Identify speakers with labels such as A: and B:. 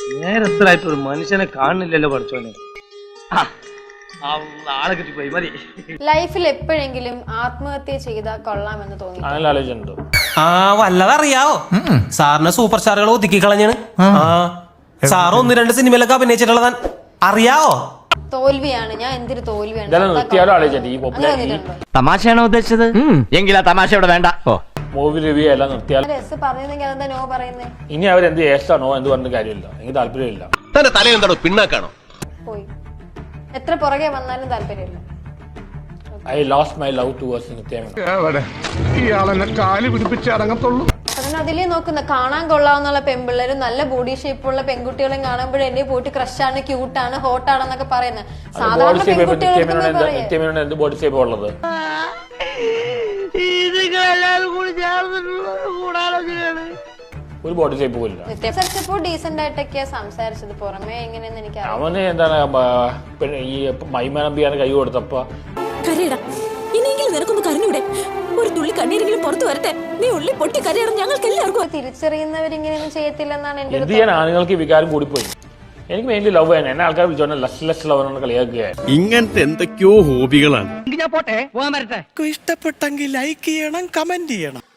A: നേരത്തിലായിട്ട് ഒരു മനുഷ്യനെ കാണുന്നില്ലല്ലോ പഠിച്ചോനെ. ആളെ കിട്ടിപ്പോയി മതി.
B: ലൈഫിൽ എപ്പോഴെങ്കിലും ആത്മഹത്യ ചെയ്താൽ കൊള്ളാമെന്ന് തോന്നി?
C: ആലോചിച്ചിട്ടുണ്ടോ?
D: വല്ലതറിയാവോ? സാറിന് സൂപ്പർ സ്റ്റാറുകൾ ഒതുക്കി കളഞ്ഞാണ്. സാറ് 1-2 സിനിമയിലൊക്കെ അഭിനയിച്ചിട്ടുള്ളതാൻ അറിയാവോ?
B: തോൽവിയാണ്. ഞാൻ എന്തൊരു തോൽവിയാണ്.
E: തമാശയാണോ ഉദ്ദേശിച്ചത്? എങ്കിലാ തമാശ ഇവിടെ വേണ്ട.
C: മൂവി റിവ്യൂ എല്ലാം നിർത്തിയാൽ
B: പറഞ്ഞെങ്കിൽ അതെന്താ നോ പറയുന്നേ?
C: ഇനി അവരെന്ത് ഏഷ്ടാണോ എന്ത് പറഞ്ഞ കാര്യമില്ല. എനിക്ക് താല്പര്യമില്ല.
F: തന്റെ തലയെന്താണോ പിണ്ണാക്കാണോ?
B: പോയി എത്ര പുറകെ വന്നാലും താല്പര്യമില്ല.
C: I lost my love towards Nithya Menon.
B: അതിലേ നോക്കുന്ന കാണാൻ കൊള്ളാവുന്ന പെൺപിള്ളേരും നല്ല ബോഡി ഷേപ്പുള്ള പെൺകുട്ടികളും കാണുമ്പോഴേ എന്നെ പോയിട്ട് ക്രഷാണ്, ക്യൂട്ടാണ്, ഹോട്ടാണെന്നൊക്കെ പറയുന്നത്. സാധാരണ
C: നിത്യമേനോൻ എന്ത് ബോഡി ഷേപ്പ് ഉള്ളത്? ഒരു ബോഡി ഷേപ്പ് പോലില്ല.
B: ഡീസന്റ് ആയിട്ടൊക്കെ സംസാരിച്ചത്. പുറമേ എങ്ങനെയെന്ന് എനിക്ക്
C: അവന് എന്താണ് ഈ മൈമാനമ്പിയാണ് കൈ കൊടുത്തപ്പോ
G: ഇനിയെങ്കിലും നിനക്കൊന്ന് കരഞ്ഞൂടെ? ഒരു തുള്ളി കണ്ണീരെങ്കിലും പുറത്തു വരട്ടെ. നീ ഉള്ളി പൊട്ടി കരയണം. ഞങ്ങൾക്ക് എല്ലാവർക്കും.
B: തിരിച്ചറിയുന്നവരിങ്ങനെയൊന്നും ചെയ്യത്തില്ലെന്നാണ് എന്റെ.
C: എന്ത് ചെയ്യാൻ ആണുങ്ങൾക്ക് ഈ വികാരം കൂടിപ്പോയി. എനിക്ക് മെയിൻലി ലവ് ആണ്. എന്നെ ആൾക്കാർ വിളിച്ചോണ്ട് ലെസ് ലവ് എന്ന് കളിയാക്കുകയാണ്.
F: ഇങ്ങനത്തെ എന്തൊക്കെയോ ഹോബികളാണ്.
E: ഞാൻ പോട്ടെ, പോകാൻ വരട്ടെ.
D: ഇഷ്ടപ്പെട്ടെങ്കിൽ ലൈക്ക് ചെയ്യണം, കമന്റ് ചെയ്യണം.